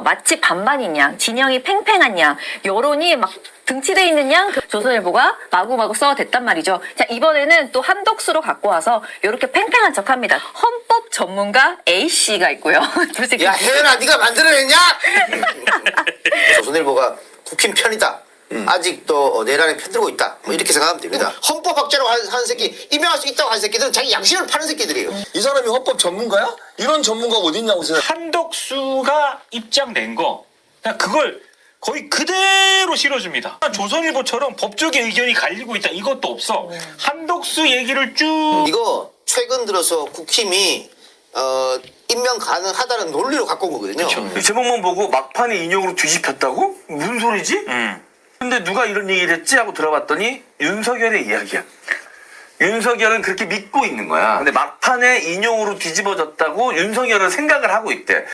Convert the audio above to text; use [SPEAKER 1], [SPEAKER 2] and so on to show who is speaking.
[SPEAKER 1] 마치 반반인 양, 진영이 팽팽한 양, 여론이 막 등치돼 있는 양, 조선일보가 마구마구 써댔단 말이죠. 자, 이번에는 또 한독수로 갖고 와서 이렇게 팽팽한 척합니다. 헌법 전문가 A씨가 있고요.
[SPEAKER 2] 야, 혜연아, 네가 만들어냈냐? 조선일보가 국힘 편이다. 아직도 내란에 편들고 있다. 뭐 이렇게 생각하면 됩니다. 헌법학자라고 하는 새끼, 임명할 수 있다고 하는 새끼들은 자기 양심을 파는 새끼들이에요.
[SPEAKER 3] 이 사람이 헌법 전문가야? 이런 전문가가 어디 있냐고 생각.
[SPEAKER 4] 한덕수가 입장 낸 거, 그냥 그걸 거의 그대로 실어줍니다. 조선일보처럼 법조계 의견이 갈리고 있다 이것도 없어. 한덕수 얘기를 쭉.
[SPEAKER 2] 이거 최근 들어서 국힘이 임명 가능하다는 논리로 갖고 온 거거든요.
[SPEAKER 4] 그쵸.
[SPEAKER 5] 이 제목만 보고 막판에 인용으로 뒤집혔다고? 무슨 소리지? 근데 누가 이런 얘기를 했지? 하고 들어봤더니 윤석열의 이야기야. 윤석열은 그렇게 믿고 있는 거야. 근데 막판에 인용으로 뒤집어졌다고 윤석열은 생각을 하고 있대.